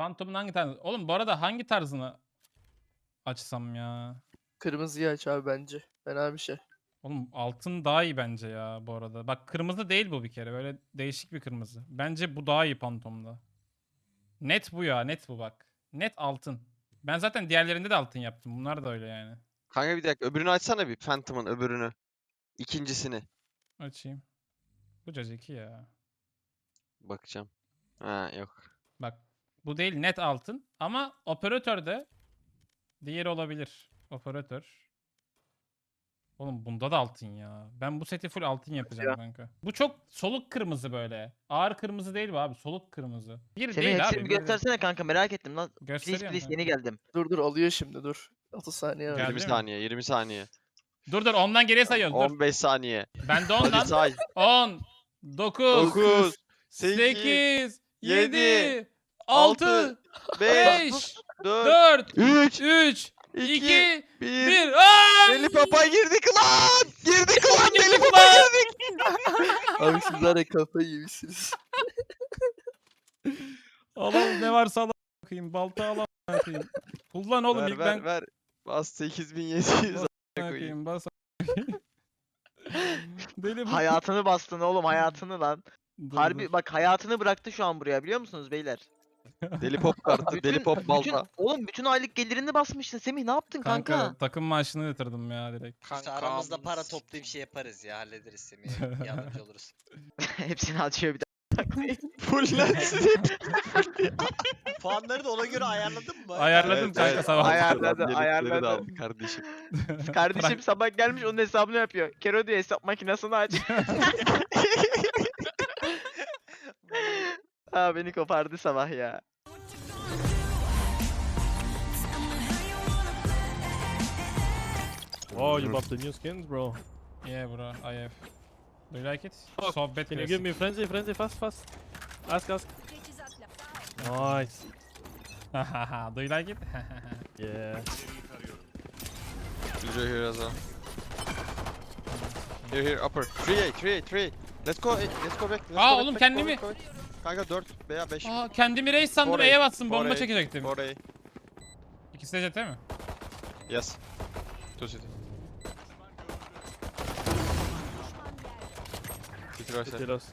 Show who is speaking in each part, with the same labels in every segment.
Speaker 1: Phantom'un hangi tarzı? Oğlum bu arada hangi tarzını açsam ya?
Speaker 2: Kırmızıyı aç abi bence. Fena bir şey.
Speaker 1: Oğlum altın daha iyi bence ya bu arada. Bak kırmızı değil bu bir kere. Böyle değişik bir kırmızı. Bence bu daha iyi Phantom'da. Net bu ya. Net bu bak. Net altın. Ben zaten diğerlerinde de altın yaptım. Bunlar da öyle yani.
Speaker 3: Kanka bir dakika öbürünü açsana bir Phantom'ın öbürünü. İkincisini.
Speaker 1: Açayım. Bu cacıki ya.
Speaker 3: Bakacağım. Ha yok.
Speaker 1: Bak bu değil net altın. Ama operatör de diğeri olabilir. Operatör. Oğlum bunda da altın ya. Ben bu seti full altın yapacağım kanka. Bu çok soluk kırmızı böyle. Ağır kırmızı değil bu abi. Soluk kırmızı. Bir
Speaker 4: Semih
Speaker 1: değil abi.
Speaker 4: hepsini bir göstersene kanka, merak ettim lan. Please
Speaker 1: Gösteriyorum
Speaker 4: please
Speaker 1: kanka.
Speaker 4: yeni geldim.
Speaker 2: Dur alıyor şimdi dur. 30 saniye var.
Speaker 1: Geldi
Speaker 3: 20
Speaker 1: mi?
Speaker 3: saniye, 20 saniye.
Speaker 1: Dur ondan geriye sayıyoruz. Dur.
Speaker 3: 15 saniye.
Speaker 1: Ben de
Speaker 3: Hadi
Speaker 1: ondan.
Speaker 3: say.
Speaker 1: 10, 9,
Speaker 3: 9,
Speaker 1: 8,
Speaker 3: 8,
Speaker 1: 7,
Speaker 3: 7,
Speaker 1: 6,
Speaker 3: 5,
Speaker 1: 5,
Speaker 3: 4,
Speaker 1: 4,
Speaker 3: 3,
Speaker 1: 3,
Speaker 3: 2,
Speaker 1: 2,
Speaker 3: 1.
Speaker 1: 1. Aaaa!
Speaker 3: Deli Papa girdik lan! Girdik lan! Deli
Speaker 1: Girdik
Speaker 3: Papa
Speaker 1: lan!
Speaker 3: girdik!
Speaker 2: Abi siz var ya kafayı yemişsiniz.
Speaker 1: Alalım ne varsa alalım bakayım. Balta alalım bakayım. Kullan oğlum
Speaker 3: Ver
Speaker 1: ilk
Speaker 3: ver
Speaker 1: ben.
Speaker 3: ver. Bas 8700
Speaker 1: Bas
Speaker 3: koyayım.
Speaker 1: Bakayım bas. Deli bu.
Speaker 4: Hayatını bastın oğlum, hayatını lan.
Speaker 1: Dur,
Speaker 4: Harbi
Speaker 1: dur.
Speaker 4: bak, hayatını bıraktı şu an buraya, biliyor musunuz beyler?
Speaker 3: Deli Pop kartı, Deli Pop balta.
Speaker 4: Oğlum bütün aylık gelirini basmışsın Semih, ne yaptın kanka?
Speaker 1: Kanka takım maaşını yatırdım ya direkt.
Speaker 5: İşte aramızda para toplayıp şey yaparız ya, hallederiz Semih'e, yardımcı oluruz.
Speaker 4: Hepsini açıyor bir de.
Speaker 3: Fullensin.
Speaker 5: Puanları da ona göre ayarladın mı?
Speaker 1: Ayarladım kanka sabah.
Speaker 4: Ayarladı,
Speaker 3: Yelekleri de
Speaker 4: ayarladı.
Speaker 3: aldı kardeşim.
Speaker 4: Kardeşim sabah gelmiş, onun hesabını yapıyor. Kero diyor hesap makinesini aç. Aa, beni kopardı sabah ya.
Speaker 6: Oh, you bought the new skins, bro.
Speaker 1: Yeah bro, I have. Do you like it? Sohbet
Speaker 6: Can you
Speaker 1: klasik.
Speaker 6: give me frenzy, fast, fast? Ask. Nice.
Speaker 1: Do you like it?
Speaker 6: Yeah.
Speaker 3: User here as well. Here, upper. 3A, 3A, 3A. Let's go back.
Speaker 1: Aa, oğlum kendimi-
Speaker 3: Kanka 4 veya 5.
Speaker 1: Aa, kendimi reis sandım,
Speaker 3: Orayı,
Speaker 1: E'ye bassın, bomba
Speaker 3: orayı,
Speaker 1: çekecektim.
Speaker 3: Orayı.
Speaker 1: İkisi de CT mi?
Speaker 3: Yes. Two city. City right side.
Speaker 6: Tiros.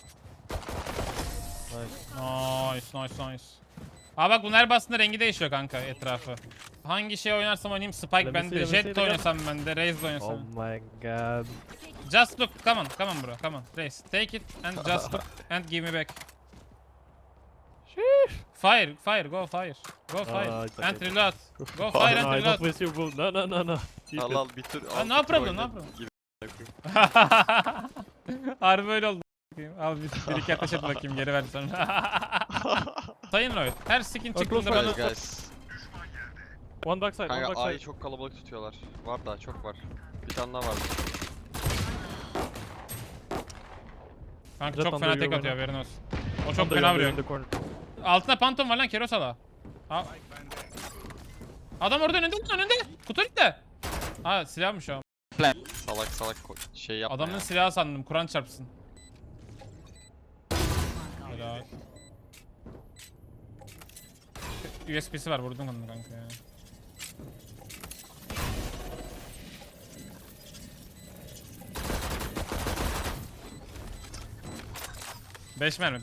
Speaker 1: Nice. Aa bak bunlar bastığında rengi değişiyor kanka etrafı. Hangi şey oynarsam oynayayım, Spike
Speaker 6: Let me
Speaker 1: bende,
Speaker 6: see
Speaker 1: Jet de
Speaker 6: again.
Speaker 1: oynasam bende, Raze de
Speaker 6: Oh
Speaker 1: oynasam.
Speaker 6: my god.
Speaker 1: Just look, come on bro, come on. Raze, take it and just look and give me back. Fire, go fire. Go fire.
Speaker 6: it's
Speaker 1: And
Speaker 6: okay.
Speaker 1: reload. Go fire and
Speaker 6: No, I don't
Speaker 1: reload.
Speaker 6: waste your bull. No. Keep
Speaker 3: Al
Speaker 6: it.
Speaker 3: al bir tur.
Speaker 1: Ha,
Speaker 3: al,
Speaker 1: no
Speaker 3: bir tur
Speaker 1: problem, no
Speaker 3: oyna.
Speaker 1: problem.
Speaker 3: Gibi
Speaker 1: Harbi öyle oldu. Al bir iki ateş et bakayım, geri ver sonra. Sayın Lloyd, her skin
Speaker 6: Oh,
Speaker 1: çıktığında
Speaker 6: close
Speaker 1: bana...
Speaker 3: Guys, guys.
Speaker 6: One backside, one
Speaker 3: Kanka A'yı
Speaker 6: backside.
Speaker 3: çok kalabalık tutuyorlar. Var daha çok var. Bir tane daha var.
Speaker 1: Kanka
Speaker 6: Jet
Speaker 1: çok
Speaker 6: under
Speaker 1: fena tek
Speaker 6: you,
Speaker 1: atıyor,
Speaker 6: bana.
Speaker 1: haberin olsun. O çok
Speaker 6: Under,
Speaker 1: fena
Speaker 6: under,
Speaker 1: vuruyor.
Speaker 6: in the corner.
Speaker 1: Altında Phantom var lan, Kerosala. Adam orada önünde. Kutu önünde. Ha silahmış o.
Speaker 3: Salak şey yapma
Speaker 1: Adamın
Speaker 3: ya.
Speaker 1: silahı sandım, Kur'an çarpsın. Helal. USB'si var, vurdum onu kanka ya. Beş mermi.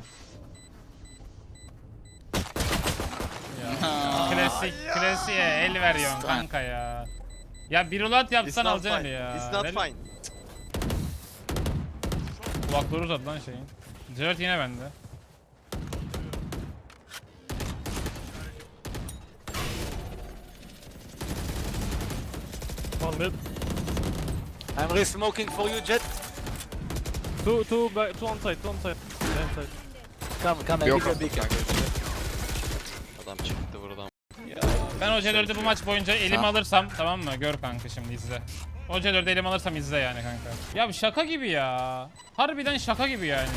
Speaker 1: Ya, klasiğe el veriyorsun kanka ya. Ya bir ulat
Speaker 3: It's
Speaker 1: yapsan
Speaker 3: not
Speaker 1: alacaksın
Speaker 3: fine.
Speaker 1: ya.
Speaker 3: It's not fine.
Speaker 1: Kulakları uzadı lan şeyin. Jared yine bende.
Speaker 6: One mid.
Speaker 5: I'm re-smoking for you, Jet.
Speaker 6: Two on site. Yeah, inside.
Speaker 5: Come,
Speaker 3: Yok
Speaker 5: big.
Speaker 3: kanka. Adam çıktı buradan.
Speaker 1: Ben o C4'ü bu maç boyunca elime alırsam, tamam mı? Gör kanka şimdi izle. O C4'ü elime alırsam izle yani kanka. Ya bu şaka gibi ya. Harbiden şaka gibi yani.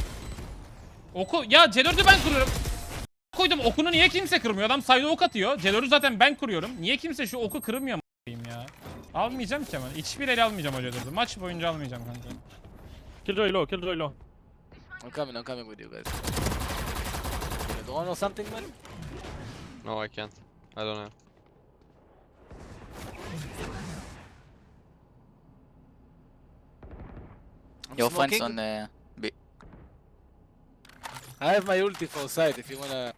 Speaker 1: Ya C4'ü ben kuruyorum. Koydum, okunu niye kimse kırmıyor? Adam sayda ok atıyor. C4'ü zaten ben kuruyorum. Niye kimse şu oku kırmıyor ya? Almayacağım ki ama. Hiçbir el almayacağım o C4'ü. Maç boyunca almayacağım kanka.
Speaker 6: Killjoy low.
Speaker 5: I'm coming with you guys. You drone or something, man?
Speaker 3: No, I can't. I don't know.
Speaker 7: Your friends
Speaker 5: smoking.
Speaker 7: on B.
Speaker 8: I have my ulti for side if you wanna.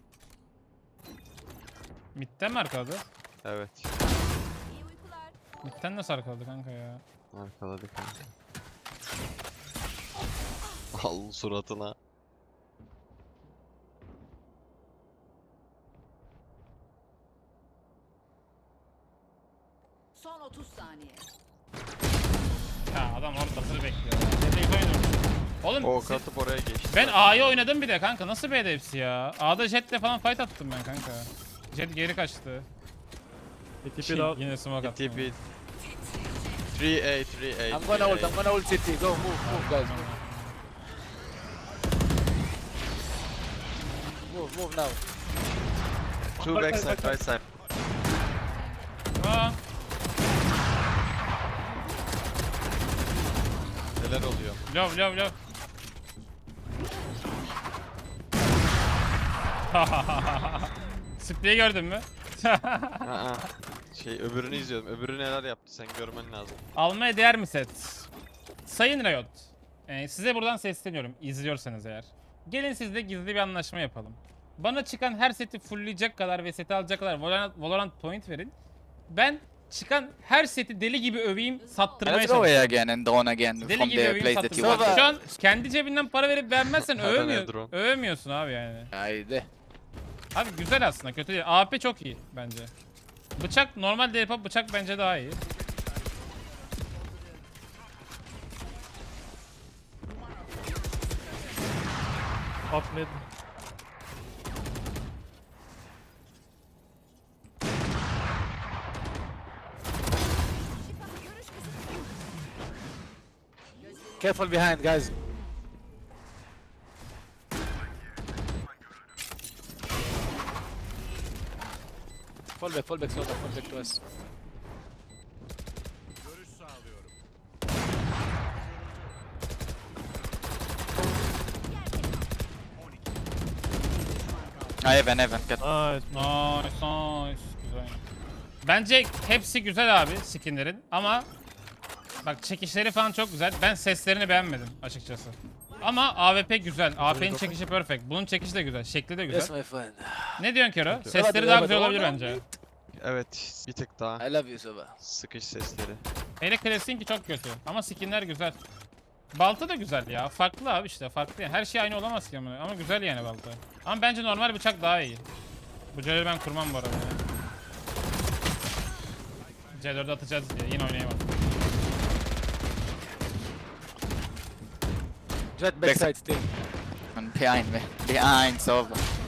Speaker 1: Mid'den mi arkaladı?
Speaker 3: Evet.
Speaker 1: Mid'den nasıl arkaladı kanka ya?
Speaker 3: Arkaladı kanka. Al suratına.
Speaker 9: Son 30 saniye.
Speaker 1: Ya adam orada hazır bekliyor ya. Dedeyi oynuyor. Oğlum
Speaker 3: O katıp oraya geçti.
Speaker 1: ben A'yı oynadım bir de kanka. Nasıl B'de hepsi ya? A'da Jet'le falan fight attım ben kanka. Jet geri kaçtı.
Speaker 6: They TP'd out.
Speaker 1: Yine smoke attım.
Speaker 3: TP. 3A, 3A.
Speaker 8: I'm gonna ult city. Go move guys. Move now.
Speaker 3: Two backside, right side.
Speaker 1: Aa,
Speaker 3: Neler oluyor?
Speaker 1: love. Spreyi gördün mü?
Speaker 3: Aa, öbürünü izliyordum. Öbürü neler yaptı sen görmen lazım.
Speaker 1: Almaya değer mi set? Sayın Riot, size buradan sesleniyorum izliyorsanız eğer. Gelin sizle gizli bir anlaşma yapalım. Bana çıkan her seti fullleyecek kadar ve seti alacak kadar Valorant point verin. Ben çıkan her seti deli gibi öveyim, sattırmaya
Speaker 7: Let's go
Speaker 1: çalışıyorum.
Speaker 7: A again and drone again
Speaker 1: Deli
Speaker 7: from
Speaker 1: gibi
Speaker 7: the
Speaker 1: öveyim,
Speaker 7: place that you
Speaker 1: sattırmaya
Speaker 7: want.
Speaker 1: çalışıyorum. Şu an kendi cebinden para verip beğenmezsen
Speaker 3: Hadi ne drone?
Speaker 1: övemiyorsun abi yani.
Speaker 8: Haydi.
Speaker 1: Abi güzel aslında, kötü değil. AP çok iyi bence. Bıçak normal DP bıçak bence daha iyi.
Speaker 6: Off mid.
Speaker 8: Careful behind, guys. Fall back, Sova, fall back to us.
Speaker 7: Heaven. Get.
Speaker 6: Nice.
Speaker 1: Nice. Güzel. Bence hepsi güzel abi skinlerin ama bak çekişleri falan çok güzel. Ben seslerini beğenmedim açıkçası. Ama AWP güzel. AWP'nin çekişi perfect. Bunun çekişi de güzel. Şekli de
Speaker 8: Yes,
Speaker 1: güzel.
Speaker 8: my friend.
Speaker 1: Ne diyorsun Kero?
Speaker 8: Hadi,
Speaker 1: Sesleri daha
Speaker 8: hadi.
Speaker 1: güzel olabilir
Speaker 8: Oradan
Speaker 1: bence.
Speaker 3: Evet, bir tık daha.
Speaker 8: I love you, Sova.
Speaker 3: Sıkış sesleri.
Speaker 1: Hele Classic'inki çok kötü. Ama skinler güzel. Balta da güzel ya. Farklı abi işte. Farklı yani. Her şey aynı olamaz ki ama güzel yani balta. Ama bence normal bıçak daha iyi. Bu C4'ü ben kurmam bu arada ya. C4'ü atacağız diye. Yine oynayamam.
Speaker 8: Jet backside still.
Speaker 7: Behind me. Behind Sova.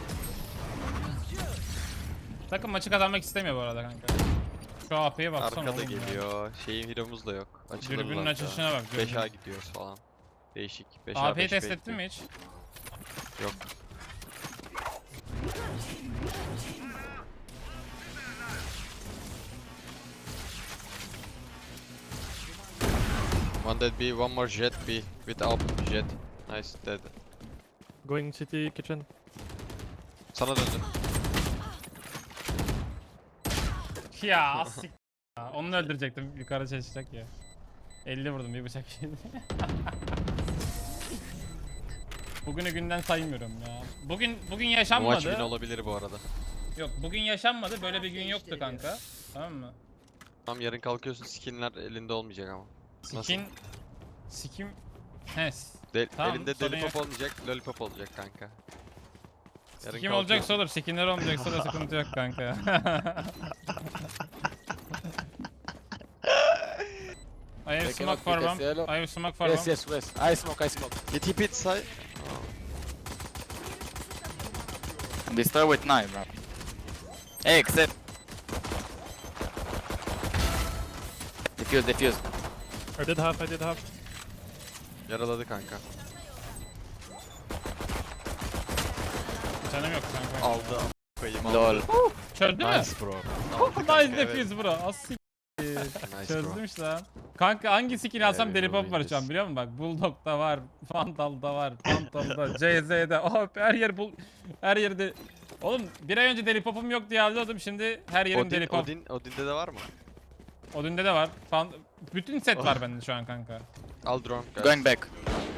Speaker 1: Takım maçı kazanmak istemiyor bu arada kanka. Şu AP'ye baksana
Speaker 3: Arkada
Speaker 1: oğlum ya.
Speaker 3: geliyor. Şeyin hero'muz da yok. Açılırlar
Speaker 1: Dürbünün
Speaker 3: da.
Speaker 1: açılışına bak. dürbün.
Speaker 3: 5A gidiyoruz falan. Değişik. 5A
Speaker 1: AP'yi
Speaker 3: 5
Speaker 1: test
Speaker 3: B
Speaker 1: ettin mi hiç?
Speaker 3: Yok. One dead B, one more jet B with up jet. Nice dead.
Speaker 6: Going city kitchen.
Speaker 3: Sana döndüm.
Speaker 1: Ya asik. Ya, onu öldürecektim. Yukarı çalışacak ya. 50 vurdum bir bıçak yedi. Bugünü günden saymıyorum ya. Bugün
Speaker 3: Bu maç
Speaker 1: yaşanmadı.
Speaker 3: win olabilir bu arada.
Speaker 1: Yok bugün yaşanmadı. Böyle bir gün yoktu kanka. Tamam mı?
Speaker 3: Tamam yarın kalkıyorsun skinler elinde olmayacak ama. Nasıl?
Speaker 1: Skin he. Tamam,
Speaker 3: Elinde
Speaker 1: sorun
Speaker 3: lollipop
Speaker 1: yok.
Speaker 3: olmayacak, lollipop olacak kanka. Yarın
Speaker 1: Skin olacaksa olur. Skinler olmayacaksa da sıkıntı yok kanka. I have
Speaker 8: They
Speaker 1: smoke
Speaker 8: cannot
Speaker 1: for
Speaker 8: pick us
Speaker 1: one.
Speaker 8: yellow.
Speaker 1: I have smoke for
Speaker 8: Yes,
Speaker 1: one.
Speaker 8: yes, west. I smoke.
Speaker 3: He TP'd side.
Speaker 7: Destroy with knife, bro. Hey, except. Defuse.
Speaker 6: I did half.
Speaker 3: Yaraladı kanka.
Speaker 1: Canım yok kanka.
Speaker 3: Aldı. Koyayım aldı.
Speaker 7: Lol.
Speaker 1: Çözdü mü?
Speaker 3: Nice bro.
Speaker 1: Nice defuse bro. Asik.
Speaker 3: Nice bro.
Speaker 1: Çözdümüş lan. Kanka hangi skin alsam
Speaker 3: Evet,
Speaker 1: deli pop var şu an
Speaker 3: biliriz.
Speaker 1: biliyor musun? Bak Bulldog'da var, Vandal'da var, Phantom'da, CZ'de. Oh her yer her yerde Oğlum bir ay önce deli popum yok diye alıyordum, şimdi her yerim deli pop.
Speaker 3: Odin'de de var mı?
Speaker 1: Odin'de de var. Bütün set var bende şu an kanka.
Speaker 3: Al drone. guys.
Speaker 7: Going back.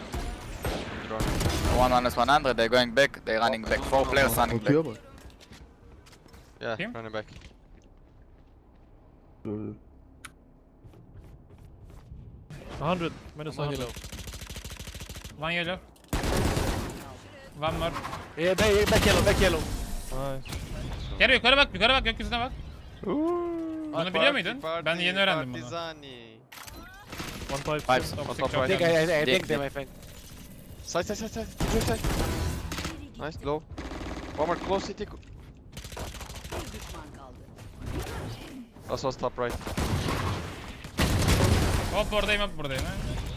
Speaker 3: Drone.
Speaker 7: 1-100, they're going back, they're running back. 4 players running back.
Speaker 2: Bakıyor bak.
Speaker 3: Yeah,
Speaker 1: Kim?
Speaker 3: running back.
Speaker 2: Dur.
Speaker 6: 100. Minus
Speaker 8: One
Speaker 6: 100.
Speaker 8: yellow.
Speaker 1: One yellow. One more.
Speaker 8: Yeah, back yellow, back yellow.
Speaker 6: Nice.
Speaker 1: Gel yukarı bak, gökyüzüne bak. Bunu biliyor muydun? Ben yeni öğrendim bunu.
Speaker 3: Partizani.
Speaker 6: 1-5.
Speaker 7: 5.
Speaker 1: Toxic
Speaker 3: top
Speaker 1: çok
Speaker 3: right.
Speaker 8: I think
Speaker 1: önemli.
Speaker 8: I
Speaker 7: Dig,
Speaker 8: think them, I think.
Speaker 3: Side. Side. Nice, low. One more close city. Last was top right.
Speaker 1: Hop buradayım. Ha.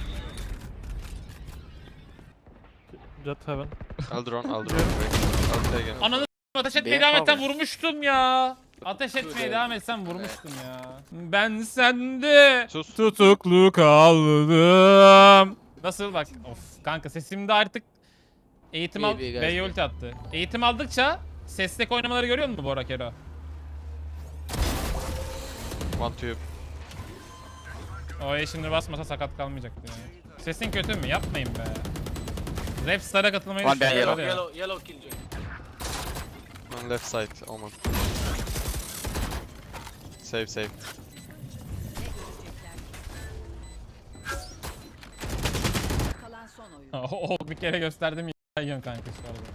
Speaker 6: Jet heaven.
Speaker 3: I'll drone. I'll take it.
Speaker 1: Ananı ateş etmeye
Speaker 7: Bir
Speaker 1: devam etsen
Speaker 7: power.
Speaker 1: vurmuştum ya. Ateş etmeye devam etsen vurmuştum ya. Ben sende
Speaker 3: Sus.
Speaker 1: tutuklu kaldım. Nasıl bak? Of kanka sesimde artık eğitim al.
Speaker 8: İyi, guys,
Speaker 1: B'ye
Speaker 8: iyi.
Speaker 1: ulti attı. Eğitim aldıkça sesdeki oynamaları görüyor musun Bora Kero?
Speaker 3: One tube.
Speaker 1: O şimdi basmasa sakat kalmayacaktı yani. Sesin kötü mü? Yapmayın be. Rapstar'a katılmayı
Speaker 7: One bad
Speaker 1: düşünüyorlar ya.
Speaker 8: Yellow killjoy.
Speaker 3: On left side, almost. Save.
Speaker 9: Kalan son oyun.
Speaker 1: O bir kere gösterdim ya yiyorsun kanka şu arada.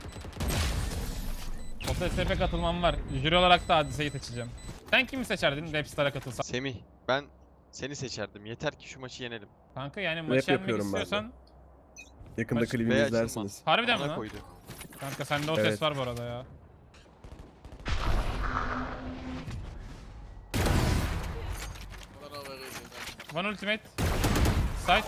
Speaker 1: OTSP katılmam var. Jüri olarak da Hadise'yi seçeceğim. Sen kimi seçerdin Rapstar'a katılsan?
Speaker 3: Semih, ben seni seçerdim. Yeter ki şu maçı yenelim.
Speaker 1: Kanka yani maçı yenmek
Speaker 10: yapıyorum ben de.
Speaker 1: istiyorsan
Speaker 10: Yakında
Speaker 1: Maç-
Speaker 10: klibimi
Speaker 3: Bey
Speaker 10: izlersiniz.
Speaker 3: açılmaz.
Speaker 1: harbiden mi
Speaker 3: Bana
Speaker 1: lan?
Speaker 3: koydu.
Speaker 1: Kanka sende o ses
Speaker 10: Evet.
Speaker 1: var bu arada ya.
Speaker 8: I don't know where is it.
Speaker 1: One ultimate. Side.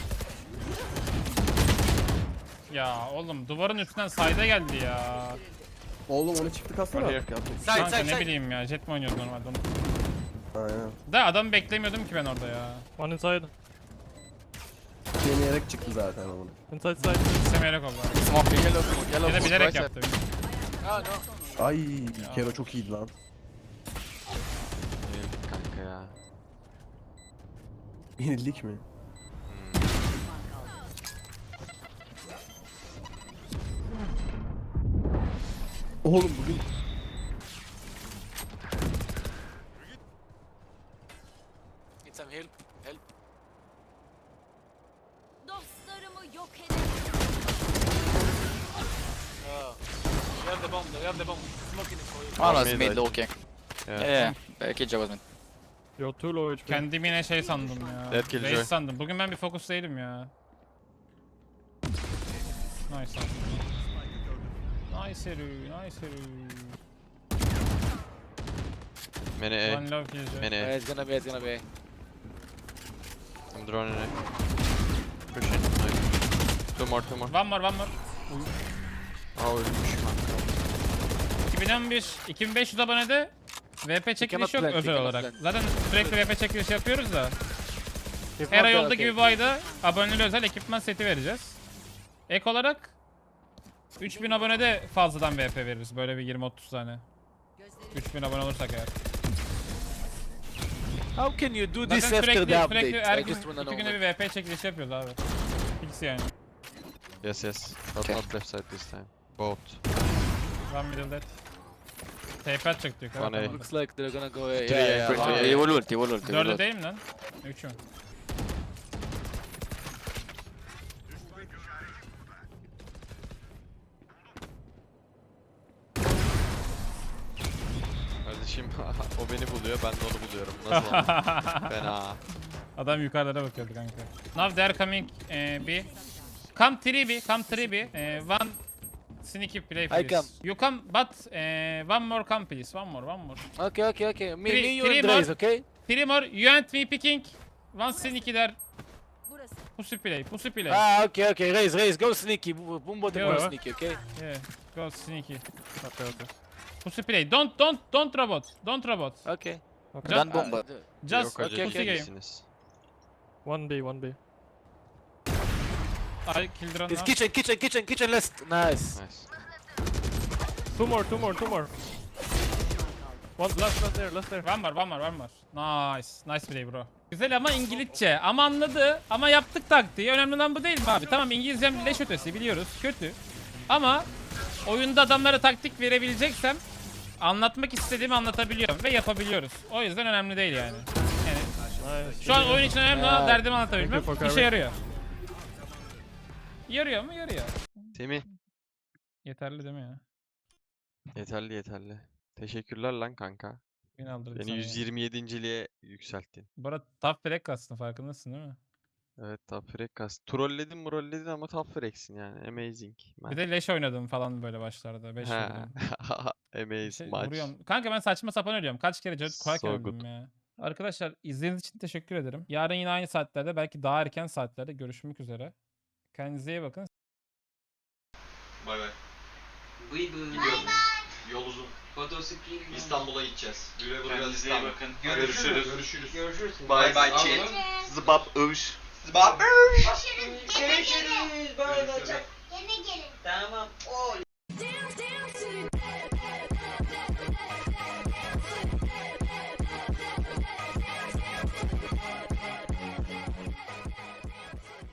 Speaker 1: Ya oğlum duvarın üstünden side'a geldi ya.
Speaker 10: Oğlum onu çıktı kalsana
Speaker 3: Hadi.
Speaker 10: artık yapacak.
Speaker 8: Side,
Speaker 1: Kanka
Speaker 8: side,
Speaker 1: ne
Speaker 8: side.
Speaker 1: bileyim ya, jet mi oynuyoruz normalde onu.
Speaker 10: Aynen.
Speaker 1: Da adamı beklemiyordum ki ben orada ya.
Speaker 6: One inside.
Speaker 10: Deneyerek çıktı zaten onun.
Speaker 6: Inside side.
Speaker 1: İstemeyerek oldu.
Speaker 7: Smoke.
Speaker 1: Ya da bilerek yaptı.
Speaker 8: Oh no.
Speaker 10: Ay Kero çok iyiydi lan.
Speaker 3: Yenildik kanka ya.
Speaker 10: Yenildik mi? Oğlum bugün
Speaker 8: Need some help. Help.
Speaker 9: Dostlarımı yok edin.
Speaker 8: Oh. We have the bomb. We have the bomb. Smoking it for you.
Speaker 7: One was
Speaker 3: Mid,
Speaker 7: mid
Speaker 3: I
Speaker 7: looking.
Speaker 3: Yeah.
Speaker 7: Yeah. Killjoy was mid.
Speaker 6: You're too low HP.
Speaker 1: Kendimi yine şey sandım ya.
Speaker 3: Dead Killjoy.
Speaker 1: Race sandım. Bugün ben bir fokus değilim ya. Nice abi. Nice herü, nice herü.
Speaker 3: Many A.
Speaker 1: One love Killjoy.
Speaker 3: Many A.
Speaker 8: It's gonna be.
Speaker 3: I'm droning A. Pushing. Nice. Two more.
Speaker 1: One more.
Speaker 3: Aa ölmüş kanka.
Speaker 1: 2011, 2500 abonede VP çekiliş
Speaker 8: cannot
Speaker 1: yok
Speaker 8: plant,
Speaker 1: özel
Speaker 8: you
Speaker 1: olarak.
Speaker 8: cannot
Speaker 1: Zaten sürekli VP çekiliş yapıyoruz da.
Speaker 8: If
Speaker 1: Her
Speaker 8: not,
Speaker 1: ay
Speaker 8: then
Speaker 1: olduğu
Speaker 8: okay.
Speaker 1: gibi bu ayda aboneli özel ekipman seti vereceğiz. Ek olarak 3000 abonede fazladan VP veririz. Böyle bir 20-30 tane. 3000 abone olursak eğer.
Speaker 8: How can you do
Speaker 1: Zaten
Speaker 8: this after
Speaker 1: sürekli,
Speaker 8: the
Speaker 1: sürekli
Speaker 8: update?
Speaker 1: her
Speaker 8: I
Speaker 1: gün
Speaker 8: just wanna
Speaker 1: 2
Speaker 8: know.
Speaker 1: günde bir VP çekilişi yapıyoruz abi. Fix yani.
Speaker 3: Yes. But
Speaker 7: Okay.
Speaker 3: not left side this time. Both.
Speaker 1: One middle dead. TP atacak diyor.
Speaker 3: One A.
Speaker 8: Looks like they're gonna go.
Speaker 3: Three,
Speaker 8: Yeah,
Speaker 3: yeah,
Speaker 8: yeah.
Speaker 3: three.
Speaker 8: yeah.
Speaker 7: He will ult, he will ult, he will
Speaker 1: 4'ü
Speaker 7: ult.
Speaker 1: değil mi lan? 3 mü?
Speaker 3: Kardeşim o beni buluyor, ben de onu buluyorum. Nasıl ama? Fena.
Speaker 1: Adam yukarılara bakıyordu kanka. Now they're coming B. Come 3B, come 3B. One sneaky play please.
Speaker 8: come.
Speaker 1: You come but one more come please. One more.
Speaker 8: Okay. Me,
Speaker 1: Three
Speaker 8: you and
Speaker 1: more.
Speaker 8: Draze, okay?
Speaker 1: 3 more. You and me picking. One sneaky there.
Speaker 9: Burası.
Speaker 1: Pussy play.
Speaker 8: Ah, okay. Raise. Go sneaky. Bumbo the
Speaker 1: Yo.
Speaker 8: go sneaky, okay?
Speaker 1: Yeah. Go sneaky.
Speaker 6: Okay.
Speaker 1: Pussy play. Don't robot. Don't robot.
Speaker 8: Okay.
Speaker 6: Okay.
Speaker 1: Just,
Speaker 7: Done bomb.
Speaker 1: just
Speaker 3: Yok acele
Speaker 1: pussy game.
Speaker 3: değilsiniz.
Speaker 6: 1B.
Speaker 1: I killed run
Speaker 8: It's
Speaker 1: now.
Speaker 8: kitchen last. Nice.
Speaker 3: Nice.
Speaker 6: Two more. One last there.
Speaker 1: One more. Nice. Nice play bro. Güzel ama İngilizce. Ama anladı. Ama yaptık taktiği. Önemli olan bu değil mi abi? Tamam İngilizcem leş ötesi biliyoruz. Kötü. Ama oyunda adamlara taktik verebileceksem anlatmak istediğimi anlatabiliyorum ve yapabiliyoruz. O yüzden önemli değil yani.
Speaker 6: Nice.
Speaker 1: Şu an oyun için önemli olan derdimi anlatabilmem.
Speaker 6: Thank you for
Speaker 1: İşe
Speaker 6: carry.
Speaker 1: yarıyor. Yarıyor mu? Yarıyor.
Speaker 3: Semih.
Speaker 1: Yeterli değil mi ya?
Speaker 3: Yeterli. Teşekkürler lan kanka.
Speaker 1: Beni aldırdı
Speaker 3: Beni
Speaker 1: sana ya.
Speaker 3: 127.liğe yükselttin.
Speaker 1: Bu arada top frag kastın farkındasın değil mi?
Speaker 3: Evet top frag kas. Trolledin ama top frag'sin yani. Amazing.
Speaker 1: Bir de leş oynadım falan böyle başlarda. 5
Speaker 3: Ha.
Speaker 1: vurdum. Bir
Speaker 3: Amazing
Speaker 1: şey
Speaker 3: maç.
Speaker 1: vuruyorum. Kanka ben saçma sapan ölüyorum. Kaç kere Judge Quack
Speaker 3: So
Speaker 1: öldüm
Speaker 3: good.
Speaker 1: ya. Arkadaşlar izlediğiniz için teşekkür ederim. Yarın yine aynı saatlerde belki daha erken saatlerde görüşmek üzere. Kendinize iyi bakın.
Speaker 11: Bay bay. Gidiyorum. Yol uzun. İstanbul'a gideceğiz. Güle güle
Speaker 5: Kendinize iyi
Speaker 11: İstanbul.
Speaker 5: bakın.
Speaker 11: Görüşürüz.
Speaker 5: Görüşürüz.
Speaker 11: Bay bay chat.
Speaker 4: Zıbap övüş.
Speaker 11: Zıbap.
Speaker 5: Görüşürüz. Böyle olacak.
Speaker 9: Yine gelin.
Speaker 5: Tamam. Oley.